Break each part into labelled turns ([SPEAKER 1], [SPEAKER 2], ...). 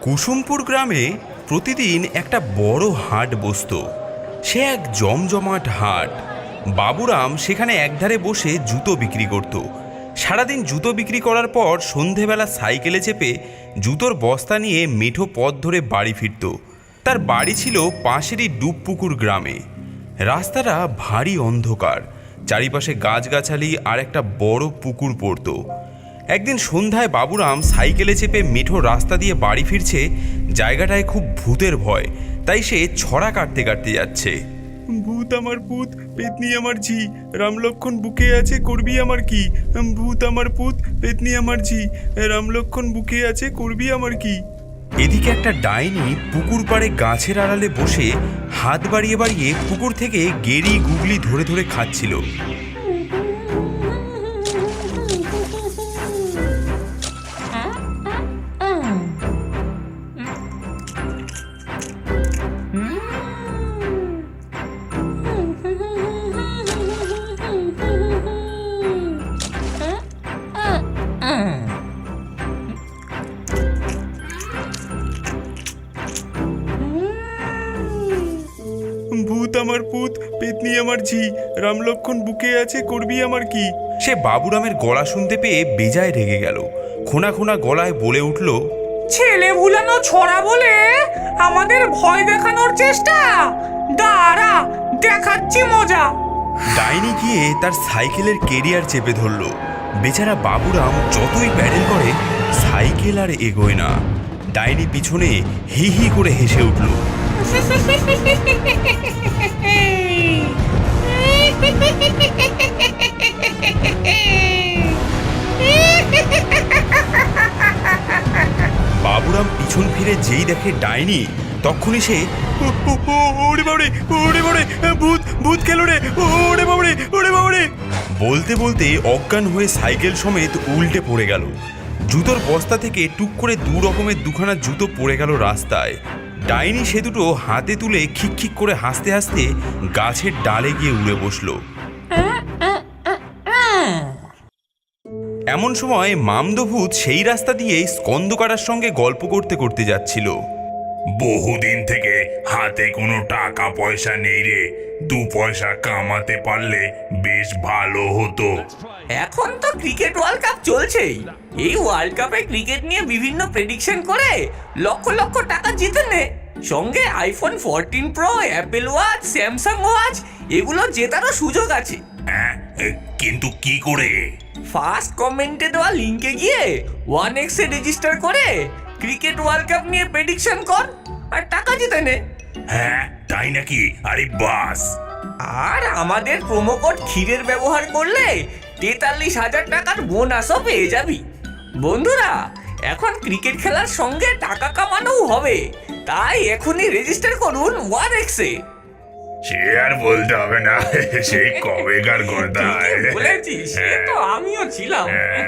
[SPEAKER 1] কুসুমপুর গ্রামে প্রতিদিন একটা বড় হাট বসত। সে এক জমজমাট হাট। বাবুরাম সেখানে একধারে বসে জুতো বিক্রি করত। সারাদিন জুতো বিক্রি করার পর সন্ধেবেলা সাইকেলে চেপে জুতোর বস্তা নিয়ে মেঠো পথ ধরে বাড়ি ফিরত। তার বাড়ি ছিল পাশেরই ডুবপুকুর গ্রামে। রাস্তাটা ভারী অন্ধকার, চারিপাশে গাছগাছালি আর একটা বড় পুকুর পড়ত। একদিন সন্ধ্যায় বাবুরাম সাইকেলে চেপে মেঠো রাস্তা দিয়ে বাড়ি ফিরছে। জায়গাটায় খুব ভূতের ভয়, তাই সে ছড়া কাটতে কাটতে যাচ্ছে। ভূত আমার পুত, পেতনি আমার ঝি, রামলক্ষণ বুকে আছে, করবি আমার কি? ভূত আমার পুত, পেতনি আমার ঝি, রামলক্ষণ বুকে আছে, করবি আমার কি? এদিকে একটা ডাইনি পুকুর পাড়ে গাছের আড়ালে বসে হাত বাড়িয়ে বাড়িয়ে পুকুর থেকে গেরি গুগলি ধরে ধরে খাচ্ছিল। ভূত আমার পুত, পেতনি আমার ঝি, রামলক্ষণ বুকে আছে, করবি আমার কি? সে বাবুরামের গলা শুনতে পেয়ে বেজায় রেগে গেল। খোনা খোনা গলায় বলে উঠল,
[SPEAKER 2] ছেলে ভুলানো ছড়া বলে আমাদের ভয় দেখানোর চেষ্টা? দাঁড়া, দেখাচ্ছি মজা।
[SPEAKER 1] ডাইনি গিয়ে তার সাইকেলের কেরিয়ার চেপে ধরল। বেচারা বাবুরাম যতই প্যাডেল করে সাইকেল আর এগোয় না। ডাইনি পিছনে হি হি করে হেসে উঠল। বাবুরাম পিছন ফিরে যেই দেখে ডাইনি, তখনই সে ওরে বাবারে, ওরে বাবারে, ভূত ভূত খেলো রে, ওরে বাবারে, ওরে বাবারে বলতে বলতে অজ্ঞান হয়ে সাইকেল সমেত উল্টে পড়ে গেল। জুতোর বস্তা থেকে টুক করে দু রকমের দুখানা জুতো পড়ে গেল রাস্তায়। ডাইনি সে দুটো হাতে তুলে খিকখিক করে হাসতে হাসতে গাছের ডালে গিয়ে উড়ে বসলো। এমন সময় মামদভূত সেই রাস্তা দিয়ে স্কন্দকাটার সঙ্গে গল্প করতে করতে যাচ্ছিল।
[SPEAKER 3] বহুদিন থেকে হাতে কোনো টাকা পয়সা নেই রে, 2 পয়সা কামাতে পারলে বেশ ভালো হতো।
[SPEAKER 2] এখন তো ক্রিকেট ওয়ার্ল্ড কাপ চলছেই। এই ওয়ার্ল্ড কাপে ক্রিকেট নিয়ে বিভিন্ন প্রেডিকশন করে লক্ষ লক্ষ টাকা জিতে নে। সঙ্গে iPhone 14 pro, Apple watch, Samsung watch এগুলো জেতারও সুযোগ আছে।
[SPEAKER 3] হ্যাঁ, কিন্তু কি করে?
[SPEAKER 2] ফার্স্ট কমেন্টে দেওয়া লিংকে গিয়ে 1x এ রেজিস্টার করে ক্রিকেট ওয়ার্ল্ড কাপ নিয়ে প্রেডিকশন কর আর টাকা জিতে নে।
[SPEAKER 3] হ্যাঁ, তাই নাকি? আরে বাস!
[SPEAKER 2] আর আমাদের প্রোমো কোড ক্ষীরের ব্যবহার করলে 43,000 টাকার বোনাসও পেয়ে যাবি। বন্ধুরা, এখন ক্রিকেট খেলার সঙ্গে টাকা কামানোও হবে, তাই এখনই রেজিস্টার করুন 1x এ।
[SPEAKER 3] সে আর বলতে হবে না, সেই কবেকার কথা।
[SPEAKER 2] বলেছিস, সে তো আমিও ছিলাম।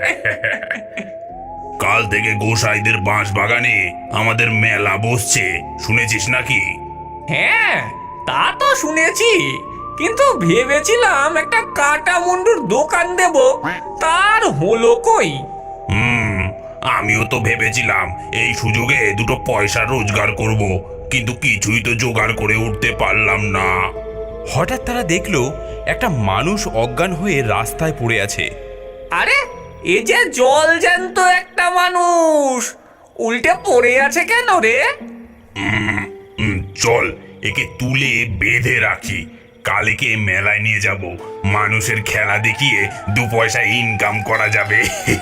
[SPEAKER 3] কাল থেকে গোসাইদের বাঁশ বাগানে আমাদের মেলা বসছে, শুনেছিস নাকি?
[SPEAKER 2] হ্যাঁ, তা তো শুনেছি, কিন্তু ভেবেছিলাম একটা কাটা মুন্ডুর দোকান দেব, তার হলো কই?
[SPEAKER 3] আমিও তো ভেবেছিলাম এই সুযোগে 2 পয়সা রোজগার করব, কিন্তু কিছুই তো জোগাড় করে উঠতে পারলাম না।
[SPEAKER 1] হঠাৎ তারা দেখলো একটা মানুষ অজ্ঞান হয়ে রাস্তায় পড়ে আছে।
[SPEAKER 2] আরে, এ যে জল জ্যান্ত একটা মানুষ, উল্টে পড়ে আছে কেন রে?
[SPEAKER 3] চল একে তুলে বেঁধে রাখি, কালকে মেলায় নিয়ে যাব, মানুষের খেলা দেখিয়ে 2 পয়সা ইনকাম করা যাবে।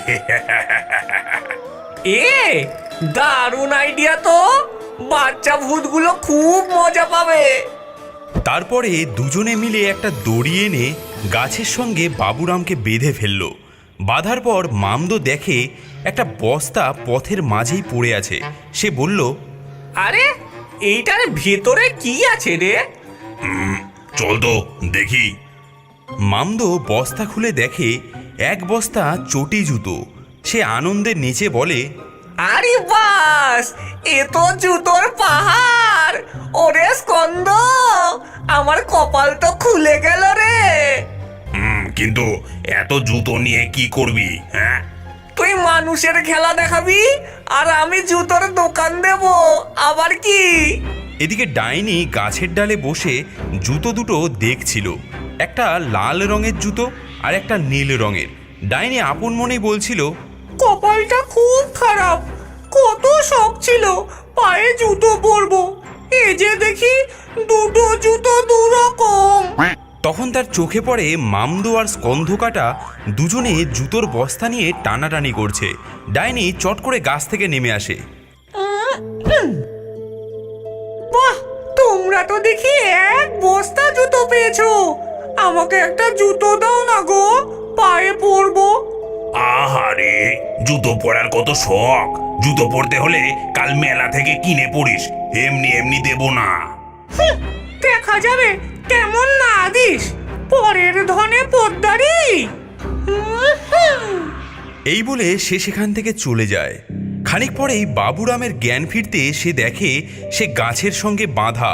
[SPEAKER 2] এ দারুণ আইডিয়া তো, বাচ্চা ভূতগুলো খুব মজা পাবে।
[SPEAKER 1] তারপরে দুজনে মিলে একটা দড়ি এনে গাছের সঙ্গে বাবুরামকে বেঁধে ফেলল। বাঁধার পর মামদো দেখে একটা বস্তা পথের মাঝেই পড়ে আছে। সে বলল,
[SPEAKER 2] আরে, এইটার ভেতরে কি আছে রে?
[SPEAKER 3] চল তো দেখি।
[SPEAKER 1] মামদো বস্তা খুলে দেখে এক বস্তা চটি জুতো। সে আনন্দে নেচে বলে,
[SPEAKER 2] আরে বাস, এ তো জুতোর পাহাড়। ওরে স্কন্দ, আমার কপাল তো খুলে গেল রে।
[SPEAKER 3] কিন্তু এত জুতো নিয়ে কি করবি? হ্যাঁ,
[SPEAKER 2] তুই তুই মানুষের খেলা দেখাবি আর আমি জুতোর দোকান দেব, আবার কি?
[SPEAKER 1] এদিকে ডাইনি গাছের ডালে বসে জুতো দুটো দেখছিল, একটা লাল রঙের জুতো আর একটা নীল রঙের। ডাইনি আপন মনেই বলছিল,
[SPEAKER 2] কপালটা খুব খারাপ, কত শখ ছিল পায়ে জুতো পরবো, এই যে দেখি দুটো জুতো দুরকম।
[SPEAKER 1] তখন তার চোখে পড়ে মামদো আর স্কন্ধকাটা দুজনে জুতোর বস্তা নিয়ে টানাটানি করছে। ডাইনি চট করে গাছ থেকে নেমে আসে।
[SPEAKER 2] বাহ, তোমরা তো দেখি এক বস্তা জুতো পেয়েছো, আমাকে একটা জুতো দাও না গো, পায়ে পরবো।
[SPEAKER 3] আহারে, জুতো পরার কত শখ। জুতো পরতে হলে কাল মেলা থেকে কিনে পড়িস, এমনি এমনি দেব না।
[SPEAKER 2] দেখা যাবে কেমন না দিস, পরের ধনে পোদ্দারি।
[SPEAKER 1] এই বলে সে সেখান থেকে চলে যায়। খানিক পরেই বাবুরামের জ্ঞান ফিরতে সে দেখে সে গাছের সঙ্গে বাঁধা।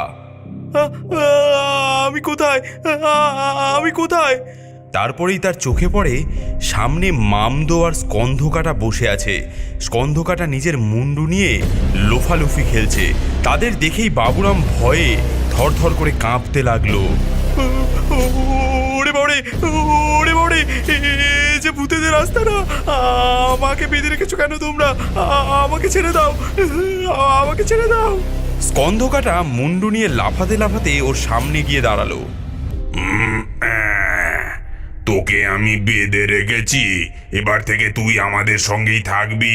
[SPEAKER 1] আমি কোথায়, আমি কোথায়? তারপরেই তার চোখে পড়ে সামনে মামদো আর স্কন্ধকাটা বসে আছে। স্কন্ধকাটা নিজের মুন্ডু নিয়ে লোফালুফি খেলছে। তাদের দেখেই বাবুরাম ভয়ে থরথর করে কাঁপতে লাগলো। ওরে বাবারে, ওরে বাবারে, যে ভূতেদের রাস্তা না, আমাকে বেঁধে রেখেছো কেন তোমরা? আমাকে ছেড়ে দাও, আমাকে ছেড়ে দাও। স্কন্ধকাটা মুন্ডু নিয়ে লাফাতে লাফাতে ওর সামনে গিয়ে দাঁড়ালো।
[SPEAKER 3] তোকে আমি বেঁধে রেখেছি, এবার থেকে তুই আমাদের সঙ্গেই থাকবি।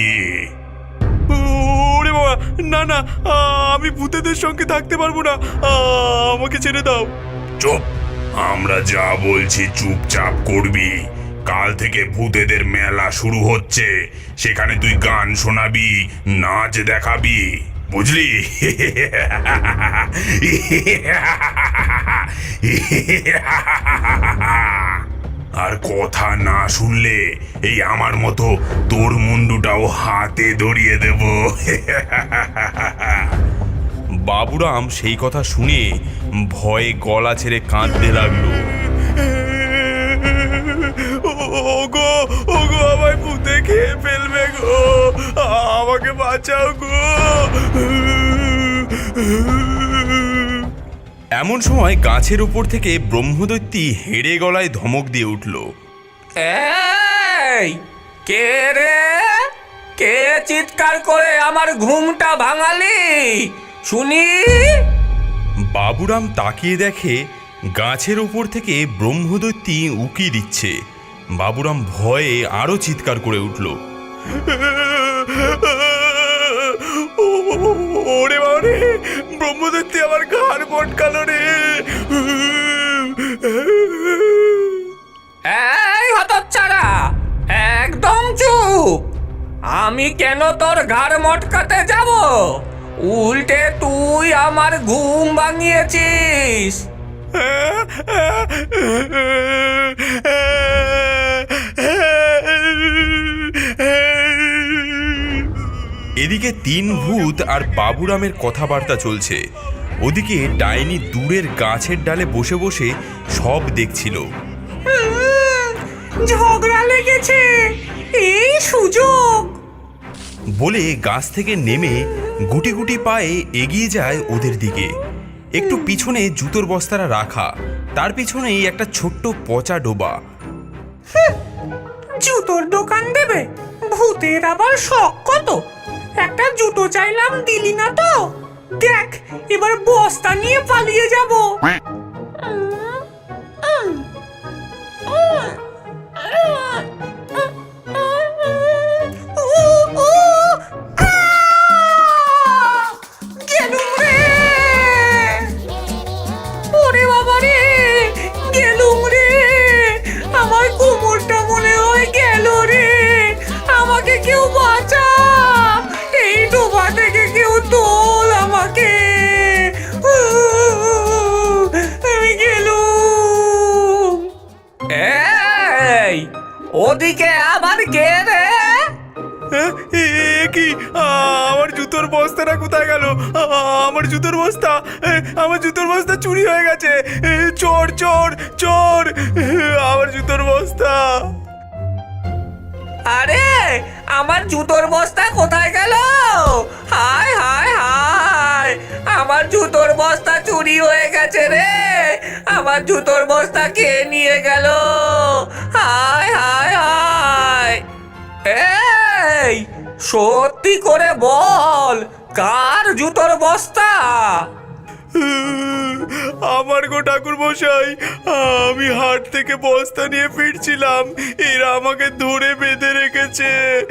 [SPEAKER 1] ওরে বাবা, না না, আমি ভূতেদের সঙ্গে থাকতে পারবো না, আমাকে ছেড়ে দাও।
[SPEAKER 3] চুপ, আমরা যা বলছি চুপচাপ করবি। কাল থেকে ভূতেদের মেলা শুরু হচ্ছে, সেখানে তুই গান শোনাবি, নাচ দেখাবি, বুঝলি? আর কথা না শুনলে এই আমার মতো তোর মুন্ডুটাও হাতে ধরিয়ে দেব।
[SPEAKER 1] বাবুরাম সেই কথা শুনে ভয়ে গলা ছেড়ে কাঁদতে লাগলো। ওগো, ওগো, আমায় ভূতে খেয়ে ফেলবে গো, আমাকে বাঁচাও গো। এমন সময় গাছের উপর থেকে ব্রহ্মদৈত্যী হেড়ে গলায় ধমক দিয়ে উঠল।
[SPEAKER 2] এই কে রে, কে চিৎকার করে আমার ঘুমটা ভাঙালি শুনি?
[SPEAKER 1] বাবুরাম তাকিয়ে দেখে গাছের উপর থেকে ব্রহ্মদৈত্যী উকি দিচ্ছে। বাবুরাম ভয়ে আরো চিৎকার করে উঠল। ওরে বাবারে, ব্রহ্মদৈত্যী আমার ঘাড় মটকালো রে।
[SPEAKER 2] এই হতচ্ছাড়া, একদম চুপ। আমি কেন তোর ঘাড় মটকাতে যাব? উল্টে তুই আমার ঘুম ভাঙিয়েছিস।
[SPEAKER 1] এদিকে তিন ভূত আর বাবুরামের কথাবার্তা চলছে। ওদিকে ডাইনি দূরের গাছের ডালে বসে বসে সব দেখছিল।
[SPEAKER 2] ঝগড়া লেগেছে, এই সুযোগ।
[SPEAKER 1] বলে গাছ থেকে নেমে গুটি গুটি পায়ে এগিয়ে যায় ওদের দিকে। একটু পিছনে জুতোর বস্তাটা রাখা, তার পিছনেই একটা ছোট্ট পচা ডোবা।
[SPEAKER 2] জুতোর দোকান দেবে? ভূতের আবার শখ কত। একটা জুতো চাইলাম, দিলি না তো। দেখ, এবার বস্তা নিয়ে পালিয়ে যাব। গেলুম রে, ওরে বাবা রে, গেলুম রে, আমার কোমরটা মনে হয় গেল রে, আমাকে কেউ বাঁচা, এই ডোবা থেকে কেউ তোল আমাকে, আমি গেলুম। এই, ওদিকে আবার কে রে?
[SPEAKER 1] কি, আমার জুতোর বস্তাটা কোথায় গেল? আমার জুতোর বস্তা, আমার জুতোর বস্তা চুরি হয়ে গেছে। চোর, চোর, চোর, আমার জুতোর বস্তা।
[SPEAKER 2] আরে আমার জুতোর বস্তা কোথায় গেল? হায় হায় হায়, আমার জুতোর বস্তা চুরি হয়ে গেছে রে। আমার জুতোর বস্তা কে নিয়ে গেল? হায় হায় হায়। এই, সত্যি করে বল, কার জুতোর বস্তা?
[SPEAKER 1] আমার গো ঠাকুর মশাই, আমি হাট থেকে বস্তা নিয়ে ফিরছিলাম, এরা আমাকে ধরে বেঁধে রেখেছে।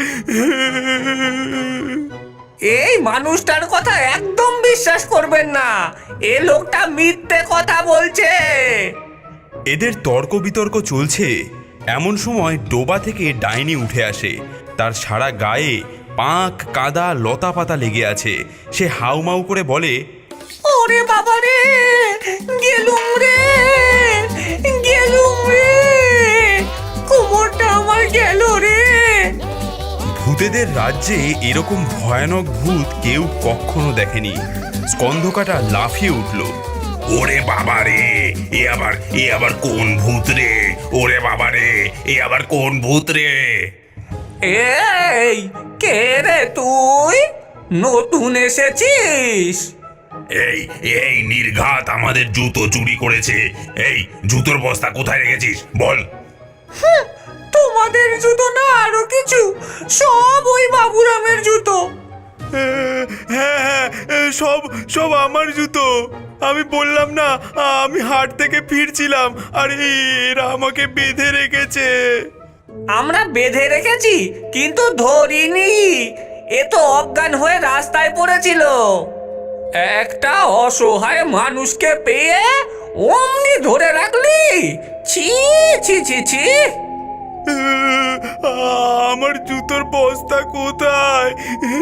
[SPEAKER 2] এই মানুষটার কথা একদম বিশ্বাস করবেন না, এ লোকটা মিথ্যে কথা বলছে।
[SPEAKER 1] এদের তর্ক বিতর্ক চলছে, এমন সময় ডোবা থেকে ডাইনি উঠে আসে। তার সারা গায়ে পাঁক কাদা লতা পাতা লেগে আছে। সে হাউমাউ করে বলে,
[SPEAKER 2] ওরে বাবা রে, গেলুম রে, গেলুম রে, কোমরটা আমার গেল রে।
[SPEAKER 1] ভূতেদের রাজ্যে এরকম ভয়ানক ভূত কেউ কখনো দেখেনি। স্কন্ধকাটা লাফিয়ে উঠল।
[SPEAKER 3] ওরে বাবা রে, এ আবার কোন ভূত রে? ওরে বাবা রে, এ আবার কোন ভূত রে?
[SPEAKER 2] এই, কে রে তুই? নতুন এসেছিস?
[SPEAKER 3] এই এই নির্ঘাত আমাদের জুতো চুরি করেছে। এই জুতোর বস্তা কোথায় রেখেছিস বল?
[SPEAKER 2] তোমাদের জুতো না আরো কিছু? সব ওই বাবুরামের জুতো।
[SPEAKER 1] হ্যাঁ, সব সব আমার জুতো। আমি বললাম না, আমি হাট থেকে ফিরছিলাম আর এরা আমাকে বেঁধে রেখেছে।
[SPEAKER 2] আমরা বেঁধে রেখেছি কিন্তু ধরিনি, এ তো অজ্ঞান হয়ে রাস্তায় পড়েছিল। একটা অসহায় মানুষকে পেয়ে অমনি ধরে রাখলি? ছি ছি ছি ছি।
[SPEAKER 1] আমার জুতোর বস্তা কোথায়?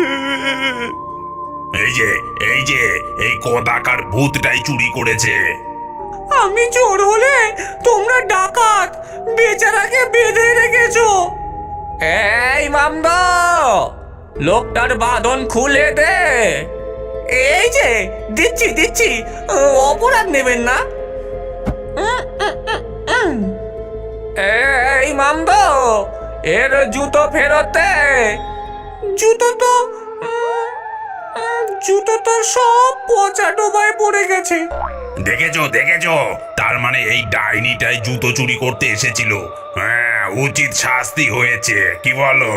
[SPEAKER 3] এই যে এই কদাকার ভূতটাই চুরি করেছে।
[SPEAKER 2] আমি চোর হলে তোমরা ডাকাত, বেচারাকে বেঁধে রেখেছো। এই মামদা, লোকটার বাঁধন খুলে দে। এই যে দিচ্ছি দিচ্ছি, অপরাধ নেবেন না। এই মামদো, এর জুতো ফেরত দে। জুতো তো সব পচা ডোবায় পড়ে গেছে।
[SPEAKER 3] দেখেছো, তার মানে এই ডাইনিটাই জুতো চুরি করতে এসেছিল। হ্যাঁ, উচিত শাস্তি হয়েছে, কি বলো?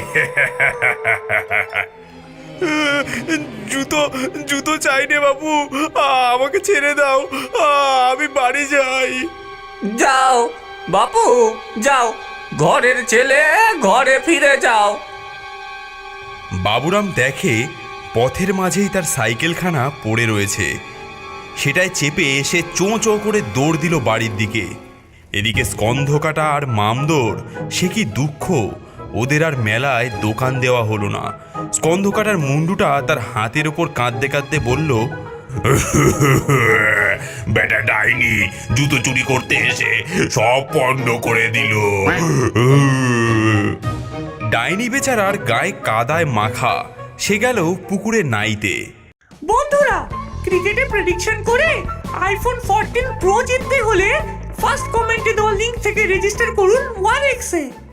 [SPEAKER 1] জুতো জুতো চাই রে বাবু, আমাকে ছেড়ে দাও, আমি বাড়ি যাই।
[SPEAKER 2] যাও বাপু, যাও, ঘরের ছেলে ঘরে ফিরে যাও।
[SPEAKER 1] বাবুরাম দেখে পথের মাঝেই তার সাইকেলখানা পড়ে রয়েছে। সেটায় চেপে এসে চোঁ চোঁ করে দৌড় দিল বাড়ির দিকে। এদিকে স্কন্ধকাটা আর মামদোর সে কি দুঃখ, ওদের আর মেলায় দোকান দেওয়া হলো না। স্কন্ধকাটার মুন্ডুটা তার হাতের ওপর কাঁদতে কাঁদতে বলল,
[SPEAKER 3] বেটা ডাইনি জুতো চুরি করতে এসে সব পণ্ড করে দিল।
[SPEAKER 1] ডাইনি বেচারার গায়ে কাদায় মাখা, সে গেল পুকুরে নাইতে।
[SPEAKER 2] বন্ধুরা, ক্রিকেটে প্রেডিকশন করে আইফোন 14 প্রো জিততে হলে ফার্স্ট কমেন্টে দেওয়া লিংক থেকে রেজিস্টার করুন 1x এ।